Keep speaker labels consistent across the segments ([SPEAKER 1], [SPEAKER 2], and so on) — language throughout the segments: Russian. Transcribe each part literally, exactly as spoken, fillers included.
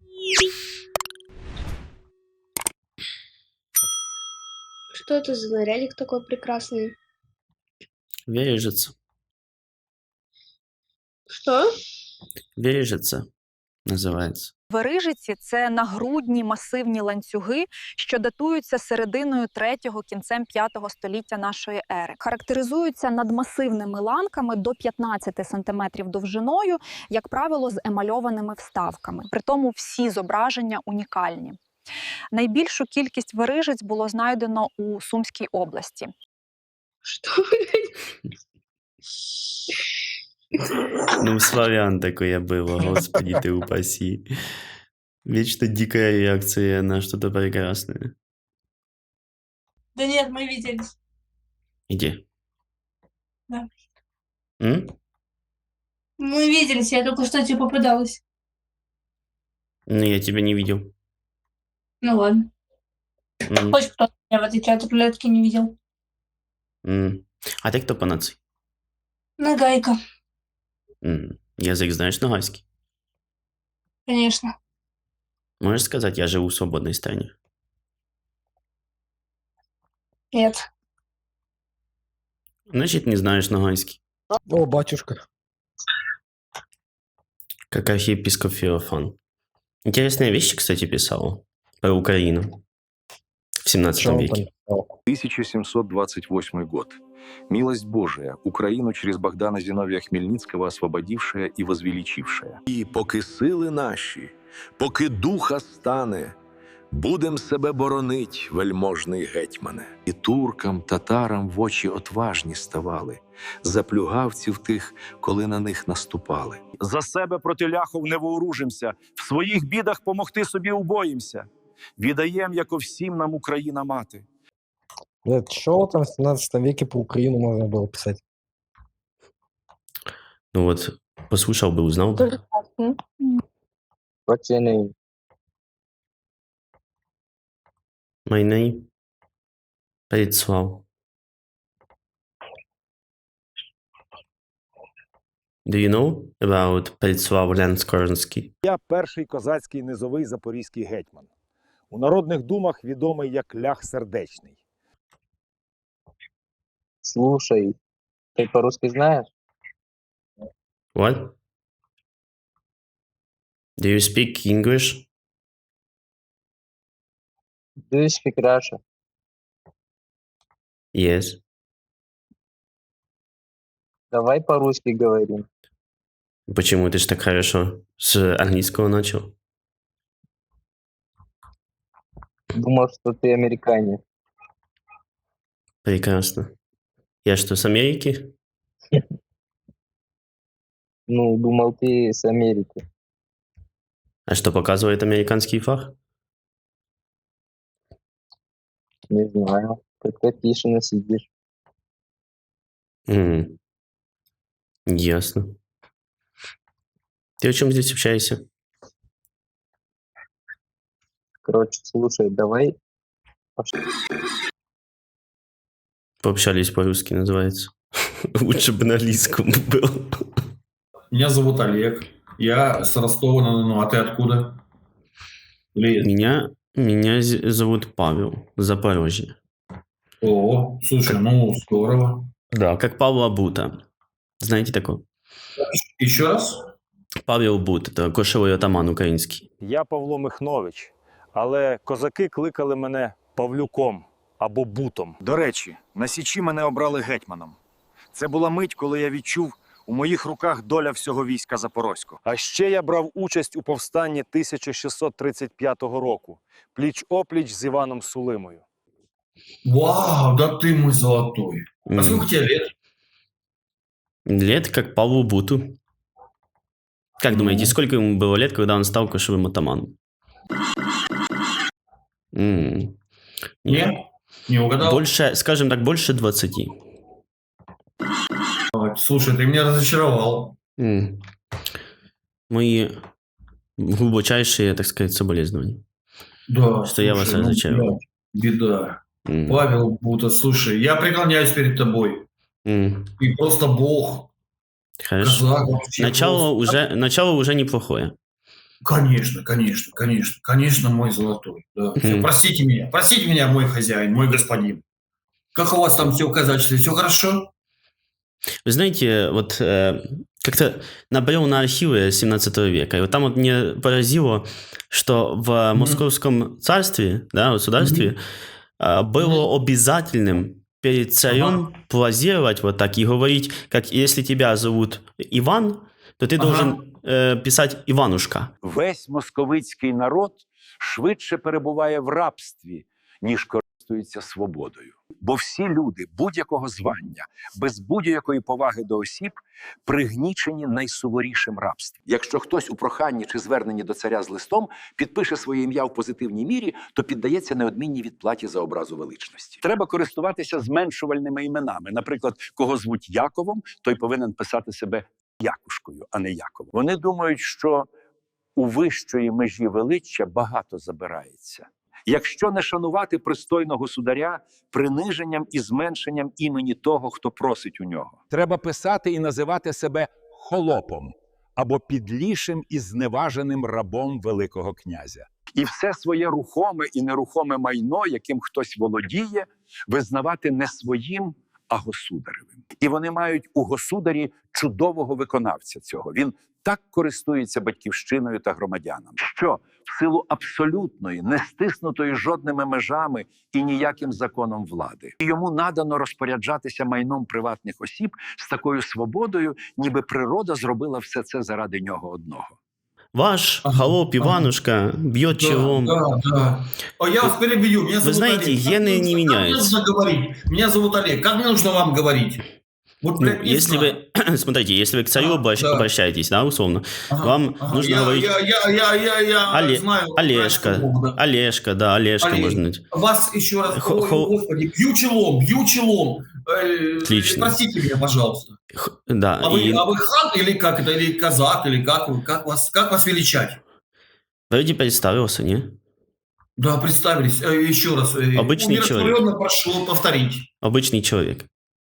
[SPEAKER 1] Что это за нарядик такой прекрасный?
[SPEAKER 2] Вережица.
[SPEAKER 1] Что?
[SPEAKER 2] Вережица називається.
[SPEAKER 3] Верижиці – це нагрудні масивні ланцюги, що датуються серединою третього, кінцем п'ятого століття нашої ери. Характеризуються надмасивними ланками до п'ятнадцяти сантиметрів довжиною, як правило, з емальованими вставками. Притому всі зображення унікальні. Найбільшу кількість верижиць було знайдено у Сумській області.
[SPEAKER 1] Что?
[SPEAKER 2] Ну, славян такое было, господи ты упаси. Вечно дикая реакция на что-то прекрасное.
[SPEAKER 4] Да нет, мы виделись.
[SPEAKER 2] Где?
[SPEAKER 4] Да.
[SPEAKER 2] М?
[SPEAKER 4] Мы виделись, я только что тебе попадалась.
[SPEAKER 2] Ну, я тебя не видел.
[SPEAKER 4] Ну ладно.
[SPEAKER 2] М,
[SPEAKER 4] Хоть кто меня в этой чат рулетки не видел.
[SPEAKER 2] м. А ты кто по нации?
[SPEAKER 4] Нагайка,
[SPEAKER 2] М. Язык знаешь ногайский?
[SPEAKER 4] конечно.
[SPEAKER 2] Можешь сказать, я живу в свободной стране?
[SPEAKER 4] Нет.
[SPEAKER 2] Значит, не знаешь ногайский.
[SPEAKER 5] О, батюшка.
[SPEAKER 2] Как архиепископ Феофан. Интересные вещи, кстати, писал про Украину в
[SPEAKER 5] Что
[SPEAKER 2] семнадцатом
[SPEAKER 5] он там
[SPEAKER 2] веке.
[SPEAKER 5] писал?
[SPEAKER 6] тысяча семьсот двадцать восьмой год. Милость Божия, Украину через Богдана Зиновия Хмельницкого освободившая и возвеличившая.
[SPEAKER 7] І поки сили наші, поки духа стане, будем себе боронить, вельможний гетьмане.
[SPEAKER 6] І туркам, татарам в очі отважні ставали, за плюгавців тих, коли на них наступали.
[SPEAKER 8] За себе проти ляхов не вооружимся, в своїх бідах помогти собі убоїмся. Відаєм, яко всім нам Україна мати.
[SPEAKER 5] Нет, что там в семнадцатом веке про Украину можно было писать?
[SPEAKER 2] Ну вот, послушал бы, узнал бы.
[SPEAKER 9] What's your name?
[SPEAKER 2] My name Предслав. Do you know about Предслав Лянскорнський?
[SPEAKER 10] Я перший козацький низовий запорізький гетьман. У народних думах відомий як Лях Сердечний.
[SPEAKER 9] Слушай, ты по-русски знаешь?
[SPEAKER 2] What? Do you speak English?
[SPEAKER 9] Do you speak Russian?
[SPEAKER 2] Yes.
[SPEAKER 9] Давай по-русски говорим.
[SPEAKER 2] Почему ты ж так хорошо с английского начал?
[SPEAKER 9] Думал, что ты американец.
[SPEAKER 2] Прекрасно. Я что, с Америки?
[SPEAKER 9] Ну, думал, ты с Америки.
[SPEAKER 2] А что показывает американский флаг?
[SPEAKER 9] Не знаю. Как-то тишина сидишь.
[SPEAKER 2] М, Ясно. Ты о чем здесь общаешься?
[SPEAKER 9] Короче, слушай, давай.
[SPEAKER 2] Пообщались по-русски, называется. Лучше бы на английском был.
[SPEAKER 11] Меня зовут Олег. Я с Ростова-на-Дону. А ты откуда? Или...
[SPEAKER 2] Меня, меня з- зовут Павел, Запорожье.
[SPEAKER 11] О, слушай, ну здорово.
[SPEAKER 2] Да, как Павла Бута. Знаете такого?
[SPEAKER 11] Еще раз?
[SPEAKER 2] Павел Бут, это кошовий атаман український.
[SPEAKER 10] Я Павло Михнович, але козаки кликали мене Павлюком або Бутом.
[SPEAKER 8] До речі, на Січі мене обрали гетьманом. Це була мить, коли я відчув, у моїх руках доля всього війська Запорозького.
[SPEAKER 10] А ще я брав участь у повстанні тисяча шістсот тридцять п'ятого року, пліч-опліч з Іваном Сулимою.
[SPEAKER 11] Вау, да ты мой золотой. А
[SPEAKER 2] М.
[SPEAKER 11] сколько тебе лет?
[SPEAKER 2] Лет как Павлу Буту. Как
[SPEAKER 11] Ну.
[SPEAKER 2] думаете, сколько ему было лет, когда он стал кошевым атаманом? М.
[SPEAKER 11] Нет? Не угадал?
[SPEAKER 2] Больше, скажем так, больше двадцати.
[SPEAKER 11] Слушай, ты меня разочаровал.
[SPEAKER 2] М. Мои глубочайшие, так сказать, соболезнования.
[SPEAKER 11] Да,
[SPEAKER 2] Что я вас
[SPEAKER 11] слушай, ну,
[SPEAKER 2] разочаровал.
[SPEAKER 11] блядь, беда.
[SPEAKER 2] М.
[SPEAKER 11] Павел Бута, слушай, я преклоняюсь перед тобой.
[SPEAKER 2] М.
[SPEAKER 11] Ты просто бог.
[SPEAKER 2] Хорошо.
[SPEAKER 11] Казак вообще
[SPEAKER 2] Начало
[SPEAKER 11] просто.
[SPEAKER 2] уже, начало уже неплохое.
[SPEAKER 11] Конечно, конечно, конечно, конечно, мой золотой. Да. Всё,
[SPEAKER 2] Мгм.
[SPEAKER 11] простите меня, простите меня, мой хозяин, мой господин. Как у вас там все в казачестве? Все хорошо?
[SPEAKER 2] Вы знаете, вот э, как-то набрел на архивы семнадцатого века, и вот там вот мне поразило, что в
[SPEAKER 11] Мгм.
[SPEAKER 2] Московском царстве, да, государстве,
[SPEAKER 11] Мгм.
[SPEAKER 2] а, было
[SPEAKER 11] Мгм.
[SPEAKER 2] обязательным перед царем
[SPEAKER 11] Ага.
[SPEAKER 2] позировать вот так и говорить, как если тебя зовут Иван, то ты должен
[SPEAKER 11] Ага.
[SPEAKER 2] э, писать Иванушка.
[SPEAKER 8] Весь московицький народ швидше перебуває в рабстві, ніж користується свободою. Бо всі люди будь-якого звання, без будь-якої поваги до осіб, пригнічені найсуворішим рабством. Якщо хтось у проханні чи зверненні до царя з листом підпише своє ім'я в позитивній мірі, то піддається неодмінній відплаті за образу величності. Треба користуватися зменшувальними іменами. Наприклад, кого звуть Яковом, той повинен писати себе Якушкою, а не Яковом. Вони думають, що у вищої межі величчя багато забирається. Якщо не шанувати пристойного государя приниженням і зменшенням імені того, хто просить у нього.
[SPEAKER 12] Треба писати і називати себе холопом або підлішим і зневаженим рабом Великого князя.
[SPEAKER 8] І все своє рухоме і нерухоме майно, яким хтось володіє, визнавати не своїм, а государевим. І вони мають у государі чудового виконавця цього. Він так користується батьківщиною та громадянами, що в силу абсолютної, не стиснутої жодними межами і ніяким законом влади, йому надано розпоряджатися майном приватних осіб з такою свободою, ніби природа зробила все це заради нього одного.
[SPEAKER 2] Ваш
[SPEAKER 11] Ага,
[SPEAKER 2] холоп
[SPEAKER 11] ага.
[SPEAKER 2] Иванушка бьет
[SPEAKER 11] Да,
[SPEAKER 2] челом.
[SPEAKER 11] да, да. О, я вас перебью. Меня
[SPEAKER 2] Вы
[SPEAKER 11] зовут
[SPEAKER 2] знаете,
[SPEAKER 11] Олег. Как
[SPEAKER 2] гены
[SPEAKER 11] мне
[SPEAKER 2] не
[SPEAKER 11] нужно- как мне
[SPEAKER 2] меняются.
[SPEAKER 11] нужно говорить? Меня зовут Олег. Как мне нужно вам говорить? Вот,
[SPEAKER 2] Ну,
[SPEAKER 11] блядь, не
[SPEAKER 2] если
[SPEAKER 11] знаю.
[SPEAKER 2] вы, смотрите, если вы к царю
[SPEAKER 11] Ага,
[SPEAKER 2] обращ-
[SPEAKER 11] да.
[SPEAKER 2] обращаетесь, да, условно,
[SPEAKER 11] Ага,
[SPEAKER 2] вам
[SPEAKER 11] ага.
[SPEAKER 2] нужно
[SPEAKER 11] я,
[SPEAKER 2] говорить
[SPEAKER 11] я, я, я, я, я
[SPEAKER 2] Оле-
[SPEAKER 11] знаю.
[SPEAKER 2] Олежка,
[SPEAKER 11] знаю, что Бог, да.
[SPEAKER 2] Олежка, да, Олежка
[SPEAKER 11] Олег.
[SPEAKER 2] можно быть.
[SPEAKER 11] Вас еще раз,
[SPEAKER 2] Хо-
[SPEAKER 11] ой,
[SPEAKER 2] хо-
[SPEAKER 11] господи, бью челом, бью челом. Э,
[SPEAKER 2] Отлично.
[SPEAKER 11] Простите меня, пожалуйста.
[SPEAKER 2] Х- Да,
[SPEAKER 11] А вы,
[SPEAKER 2] и
[SPEAKER 11] а вы хан или как это, или казак, или как вы, как вас, как вас величать?
[SPEAKER 2] вроде представился, не?
[SPEAKER 11] Да, представились. Э, Еще раз. э,
[SPEAKER 2] Обычный
[SPEAKER 11] умиротворенно прошу повторить.
[SPEAKER 2] Обычный человек.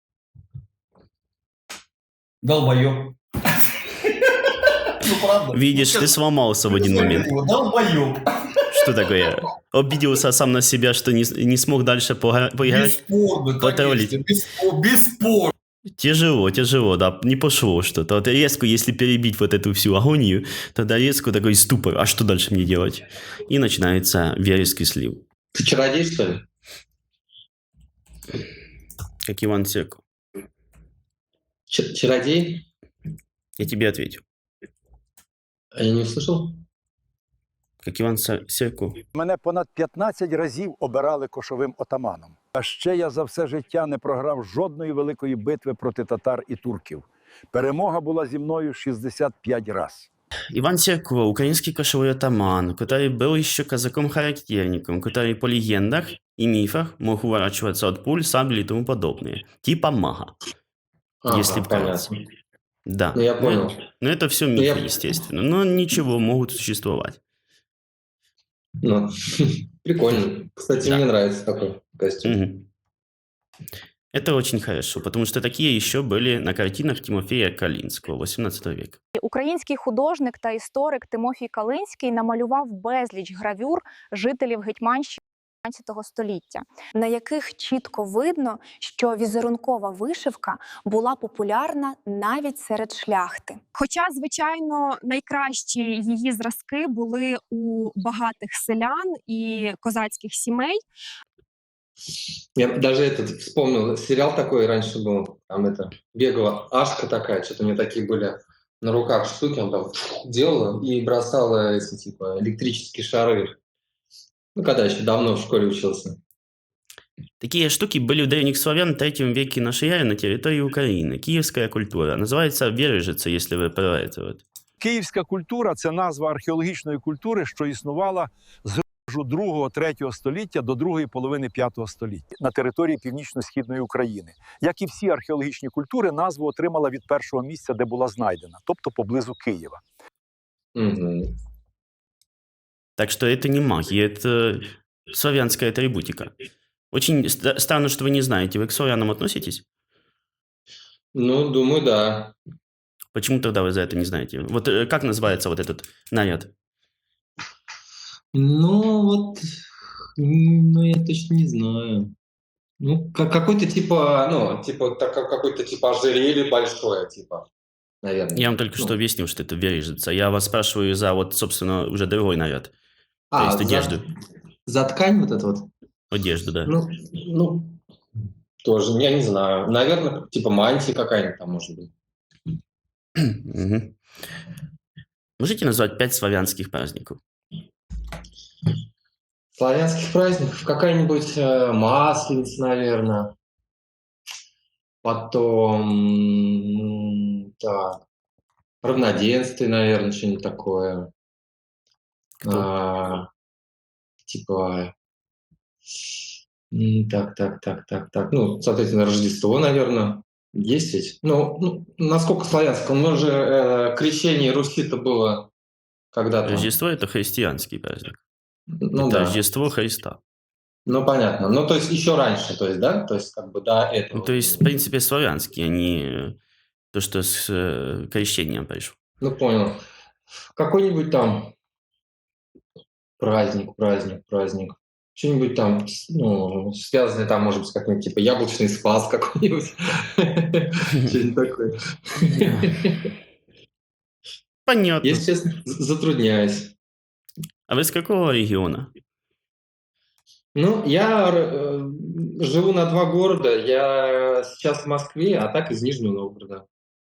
[SPEAKER 11] Долбоёб. Ну, правда.
[SPEAKER 2] Видишь,
[SPEAKER 11] Ну,
[SPEAKER 2] ты сломался в один момент.
[SPEAKER 11] Долбоёб.
[SPEAKER 2] Что такое? Обиделся сам на себя, что не, с- не смог дальше пога- поиграть?
[SPEAKER 11] Бесспорно,
[SPEAKER 2] Потроллить.
[SPEAKER 11] конечно. беспо- Бесспорно.
[SPEAKER 2] Тяжело, тяжело, да, не пошло что-то. Вот резко, если перебить вот эту всю агонию, тогда резко такой ступор, а что дальше мне делать? И начинается вереск и слив.
[SPEAKER 9] Ты чародей, что ли?
[SPEAKER 2] Как Иван Серко.
[SPEAKER 9] Ч- чародей?
[SPEAKER 2] Я тебе ответил.
[SPEAKER 9] А я не услышал.
[SPEAKER 2] Как Иван Са- Серко.
[SPEAKER 12] Мене понад п'ятнадцять разів обирали кошовим отаманом. А ще я за все життя не програв жодної великої битви проти татар і турків. Перемога була зі мною шістдесят п'ять раз.
[SPEAKER 2] Иван Серко, украинский кошевой атаман, который был еще казаком-характерником, который по легендах и мифах мог уворачиваться от пуль, сабель и тому подобное. Типа мага.
[SPEAKER 9] Ага,
[SPEAKER 2] если вкратце.
[SPEAKER 9] понятно.
[SPEAKER 2] Да.
[SPEAKER 9] Ну, я
[SPEAKER 2] Ну,
[SPEAKER 9] понял.
[SPEAKER 2] Но это все
[SPEAKER 9] Ну, я-
[SPEAKER 2] мифы, естественно. Но ничего, могут существовать.
[SPEAKER 9] Ну, прикольно. Кстати,
[SPEAKER 2] Да.
[SPEAKER 9] мне нравится такой костюм.
[SPEAKER 2] Мгм. Это очень хорошо, потому что такие еще были на картинах Тимофея Калинского восемнадцатого века.
[SPEAKER 3] Український художник та історик Тимофій Калинський намалював безліч гравюр жителів Гетьманщини п'ятнадцятого століття, на яких чітко видно, що візерункова вишивка була популярна навіть серед шляхти. Хоча, звичайно, найкращі її зразки були у багатих селян і козацьких сімей.
[SPEAKER 9] Я даже этот вспомнил, сериал такой раньше был, там это, бегала Ашка такая, что-то у нее такие были на руках штуки, он там делала и бросала эти, типа, электрические шары. Ну, когда еще давно в школе учился.
[SPEAKER 2] Такие штуки были у древних славян в третьем веке нашей эры на территории Украины. Киевская культура. Называется Вережица, если вы про это вот.
[SPEAKER 12] Київська культура – це назва археологічної культури, що існувала з другого-третього століття до другої половини п'ятого століття на території північно-східної України. Як і всі археологічні культури, назву отримала від першого місця, де була знайдена, тобто поблизу Києва.
[SPEAKER 9] Мгм.
[SPEAKER 2] Так что это не магия, это славянская атрибутика. Очень ст- странно, что вы не знаете. Вы к славянам относитесь?
[SPEAKER 9] Ну, думаю, да.
[SPEAKER 2] Почему тогда вы за это не знаете? Вот э, как называется вот этот наряд?
[SPEAKER 9] Ну, вот, м, ну, я точно не знаю. Ну, ка- какой-то типа, ну, типа, так, как какой-то типа ожерелье большое, типа, наверное.
[SPEAKER 2] Я вам только что
[SPEAKER 9] Ну,
[SPEAKER 2] объяснил, что это бережется. Я вас спрашиваю за вот, собственно, уже другой наряд. То есть
[SPEAKER 9] а, за,
[SPEAKER 2] одежду.
[SPEAKER 9] за ткань вот это вот?
[SPEAKER 2] Одежду, да.
[SPEAKER 9] Ну, ну, тоже, я не знаю. Наверное, типа мантия какая-нибудь там может быть.
[SPEAKER 2] Мгм. Можете назвать пять славянских праздников?
[SPEAKER 9] Славянских праздников какая-нибудь э, Масленица, наверное. Потом, м, так, равноденствие, наверное, что-нибудь такое.
[SPEAKER 2] Кто?
[SPEAKER 9] А, типа, м, так, так, так, так, так. Ну, соответственно, Рождество, наверное. Есть ведь? Ну, ну, насколько славянское? У нас же э, крещение Руси-то было когда-то.
[SPEAKER 2] Рождество – это христианский праздник.
[SPEAKER 9] Ну
[SPEAKER 2] Это
[SPEAKER 9] да.
[SPEAKER 2] Рождество Христа.
[SPEAKER 9] Ну, понятно. Ну, то есть еще раньше, то есть, да? То есть, как бы до
[SPEAKER 2] Ну,
[SPEAKER 9] этого.
[SPEAKER 2] то есть, в принципе, славянский, а не то, что с э, крещением пришло.
[SPEAKER 9] Ну, понял. Какой-нибудь там праздник, праздник, праздник. Что-нибудь там, с- ну, связанное там, может быть, с каким-нибудь, типа, яблочный спас какой-нибудь. Что-нибудь такое.
[SPEAKER 2] Понятно.
[SPEAKER 9] Если честно, з- затрудняюсь.
[SPEAKER 2] А вы с какого региона?
[SPEAKER 9] Ну, я э, живу на два города. Я сейчас в Москве, а так из Нижнего Новгорода.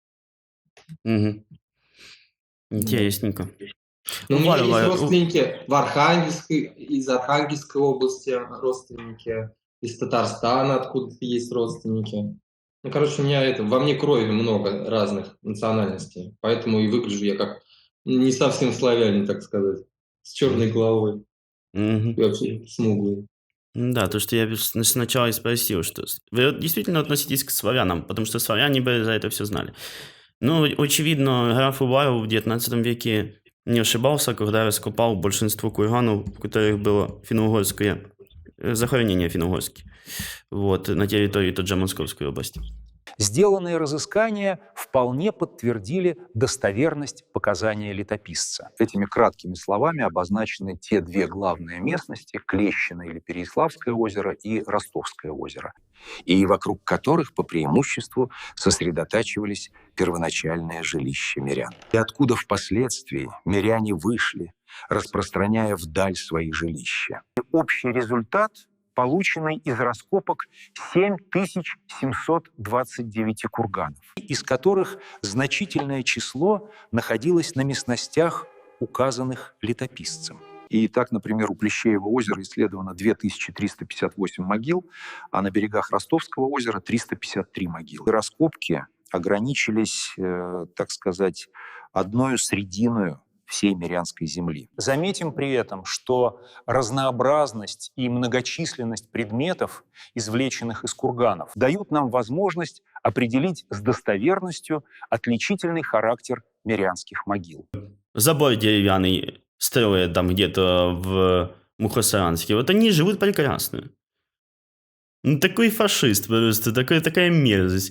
[SPEAKER 2] Мгм.
[SPEAKER 9] Да.
[SPEAKER 2] Интересненько.
[SPEAKER 9] Но у меня есть
[SPEAKER 2] Варвара, у-
[SPEAKER 9] родственники в Архангельской, из Архангельской области родственники, из Татарстана откуда-то есть родственники. Ну, короче, у меня это, во мне крови много разных национальностей, поэтому и выгляжу я как не совсем славянин, так сказать, с черной головой
[SPEAKER 2] Мгм.
[SPEAKER 9] и вообще смуглый.
[SPEAKER 2] Да, то, что я с- сначала и спросил, что с- вы вот действительно относитесь к славянам, потому что славяне бы за это все знали. Ну, очевидно, граф Уваров в девятнадцатом веке не ошибался, когда раскопал большинство курганов, в которых было финно-угорское, э, захоронение финно-угорские, вот, на территории той же Московской области.
[SPEAKER 8] Сделанные разыскания вполне подтвердили достоверность показания летописца.
[SPEAKER 6] Этими краткими словами обозначены те две главные местности – Клещино или Переяславское озеро и Ростовское озеро, и вокруг которых по преимуществу сосредотачивались первоначальные жилища мирян. И откуда впоследствии миряне вышли, распространяя вдаль свои жилища.
[SPEAKER 8] Общий результат, полученный из раскопок семь тысяч семьсот двадцать девять курганов, из которых значительное число находилось на местностях, указанных летописцем.
[SPEAKER 6] И так, например, у Плещеева озера исследовано две тысячи триста пятьдесят восемь могил, а на берегах Ростовского озера триста пятьдесят три могилы. Раскопки ограничились, э, так сказать, одной срединою всей Мирянской земли.
[SPEAKER 8] Заметим при этом, что разнообразность и многочисленность предметов, извлеченных из курганов, дают нам возможность определить с достоверностью отличительный характер мирянских могил.
[SPEAKER 2] Забор деревянный строят там где-то в Мухосранске. Вот они живут прекрасно. Ну, такой фашист просто, такой, такая мерзость.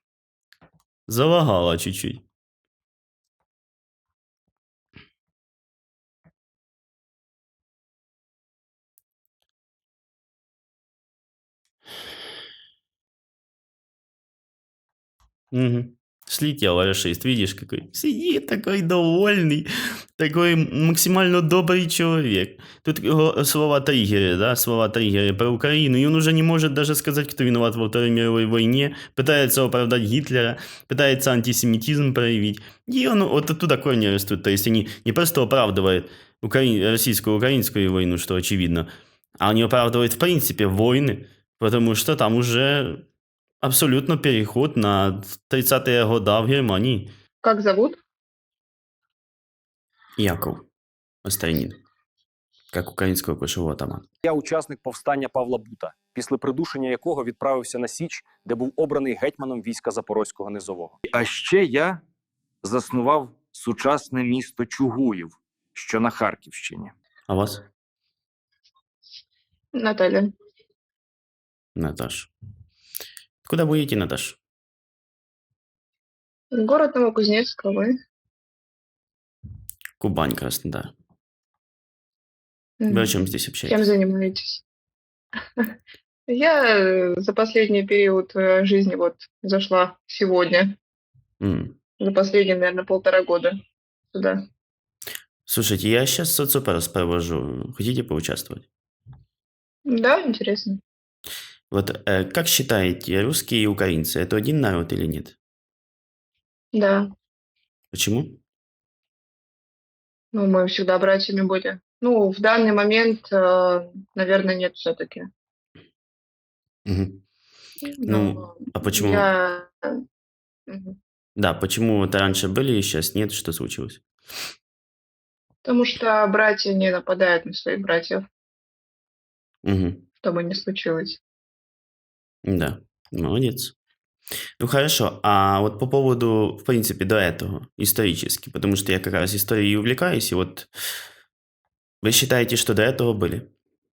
[SPEAKER 2] Залагала чуть-чуть. Мгм. Слетел расист, видишь, какой. Сидит такой довольный, такой максимально добрый человек. Тут его слова триггеры, да, слова триггеры про Украину, и он уже не может даже сказать, кто виноват во Второй мировой войне, пытается оправдать Гитлера, пытается антисемитизм проявить. И он вот оттуда корни растут, то есть они не просто оправдывают укра... российско-украинскую войну, что очевидно, а они оправдывают в принципе войны, потому что там уже абсолютно переход на тридцатые года в Германии.
[SPEAKER 1] Как зовут?
[SPEAKER 2] Яков Острянин, як українського кошового атамана.
[SPEAKER 10] Я учасник повстання Павла Бута, після придушення якого відправився на Січ, де був обраний гетьманом війська Запорозького низового.
[SPEAKER 13] А ще я заснував сучасне місто Чугуїв, що на Харківщині.
[SPEAKER 2] А вас?
[SPEAKER 1] Наталья.
[SPEAKER 2] Наташ. Куда будете, Наташ?
[SPEAKER 1] Город Новокузнецк, а вы?
[SPEAKER 2] Кубань, Краснодар. Вы о
[SPEAKER 1] Мгм.
[SPEAKER 2] чем здесь
[SPEAKER 1] Чем
[SPEAKER 2] общаетесь?
[SPEAKER 1] занимаетесь? Я э, за последний период э, жизни вот зашла сегодня,
[SPEAKER 2] М.
[SPEAKER 1] за последние, наверное, полтора года сюда.
[SPEAKER 2] Слушайте, я сейчас соцопрос провожу. Хотите поучаствовать?
[SPEAKER 1] Да, интересно.
[SPEAKER 2] Вот э, как считаете, русские и украинцы это один народ или нет?
[SPEAKER 1] Да,
[SPEAKER 2] Почему?
[SPEAKER 1] ну, мы всегда братьями были. Ну, в данный момент, э, наверное, нет все-таки.
[SPEAKER 2] Мгм. Ну,
[SPEAKER 1] Но
[SPEAKER 2] а почему?
[SPEAKER 1] я... Мгм.
[SPEAKER 2] Да, почему вот раньше были, сейчас нет, что случилось?
[SPEAKER 1] Потому что братья не нападают на своих братьев,
[SPEAKER 2] Мгм.
[SPEAKER 1] что бы ни случилось.
[SPEAKER 2] Да, молодец. Ну хорошо, а вот по поводу, в принципе, до этого, исторически, потому что я как раз историей увлекаюсь, и вот вы считаете, что до этого были?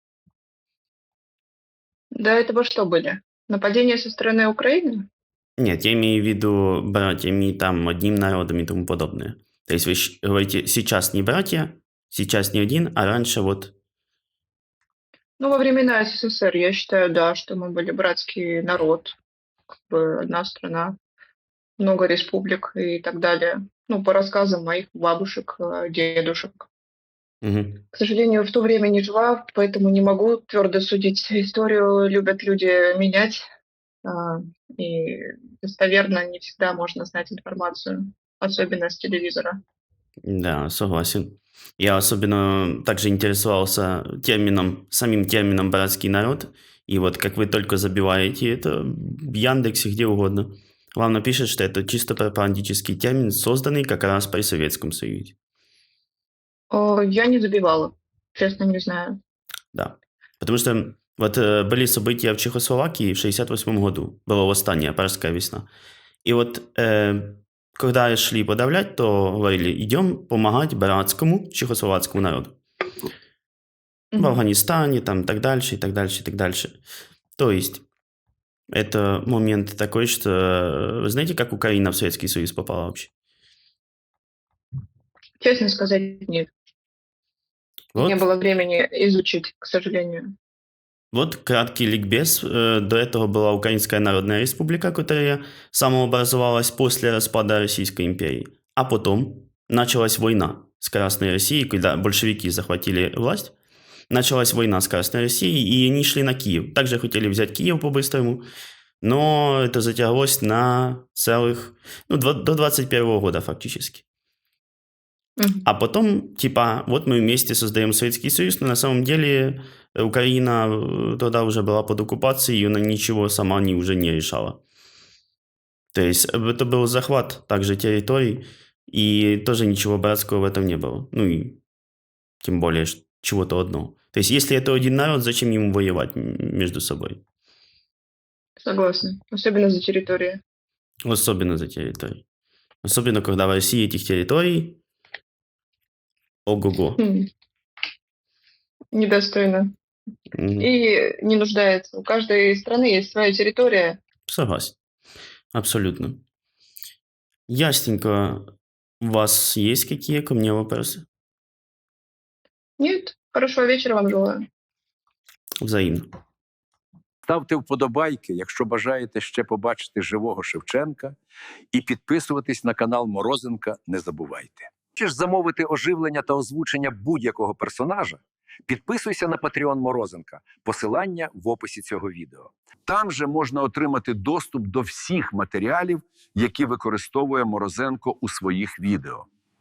[SPEAKER 1] До этого что были? Нападения со стороны Украины?
[SPEAKER 2] Нет, я имею в виду братьями, там, одним народом и тому подобное. То есть вы щ- говорите, сейчас не братья, сейчас не один, а раньше вот...
[SPEAKER 1] Ну, во времена СССР, я считаю, да, что мы были братский народ, как бы одна страна, много республик и так далее. Ну, по рассказам моих бабушек, э, дедушек.
[SPEAKER 2] Мгм.
[SPEAKER 1] К сожалению, в то время не жила, поэтому не могу твердо судить. Историю любят люди менять, а, и достоверно не всегда можно знать информацию, особенно с телевизора.
[SPEAKER 2] Да, согласен. Я особенно также интересовался термином, самим термином «братский народ». И вот как вы только забиваете это в Яндексе, где угодно, вам напишет, что это чисто пропагандический термин, созданный как раз при Советском Союзе.
[SPEAKER 1] О, я не забивала, честно не знаю.
[SPEAKER 2] Да. Потому что вот э, были события в Чехословакии в шестьдесят восьмом году. Было восстание, Пражская весна. И вот э, когда шли подавлять, то говорили, идем помогать братскому чехословацкому народу. В
[SPEAKER 1] Мгм.
[SPEAKER 2] Афганистане, там, так дальше, и так дальше, и так дальше. То есть, это момент такой, что... э, Вы знаете, как Украина в Советский Союз попала вообще?
[SPEAKER 1] Честно сказать, нет. Не
[SPEAKER 2] Вот,
[SPEAKER 1] было времени изучить, к сожалению.
[SPEAKER 2] вот краткий ликбез. Э, До этого была Украинская Народная Республика, которая самообразовалась после распада Российской империи. А потом началась война с Красной Россией, когда большевики захватили власть. Началась война с Красной Россией, и они шли на Киев. Также хотели взять Киев по-быстрому, но это затяглось на целых, ну, два- до двадцать первого года фактически.
[SPEAKER 1] Мгм.
[SPEAKER 2] А потом, типа, вот мы вместе создаем Советский Союз, но на самом деле э, Украина э, тогда уже была под оккупацией, и она ничего сама не, уже не решала. То есть э, это был захват также территорий, и тоже ничего братского в этом не было. Ну и тем более ш- чего-то одного. То есть если это один народ, зачем ему воевать м, между собой?
[SPEAKER 1] Согласна. Особенно за территорию.
[SPEAKER 2] Особенно за территории. Особенно, когда в России этих территорий ого-го.
[SPEAKER 1] Хм, недостойно.
[SPEAKER 2] Мгм.
[SPEAKER 1] И не нуждается. У каждой страны есть своя территория.
[SPEAKER 2] Согласен. Абсолютно. Ясненько. У вас есть какие ко мне вопросы?
[SPEAKER 1] Нет? Хорошего вечера вам желаю.
[SPEAKER 2] Взаимно.
[SPEAKER 8] Ставте вподобайки, якщо бажаєте ще побачити живого Шевченка, і підписуватись на канал Морозенка не забувайте. Хочеш замовити оживлення та озвучення будь-якого персонажа? Підписуйся на Patreon Морозенка, посилання в описі цього відео. Там же можна отримати доступ до всіх матеріалів, які використовує Морозенко у своїх відео.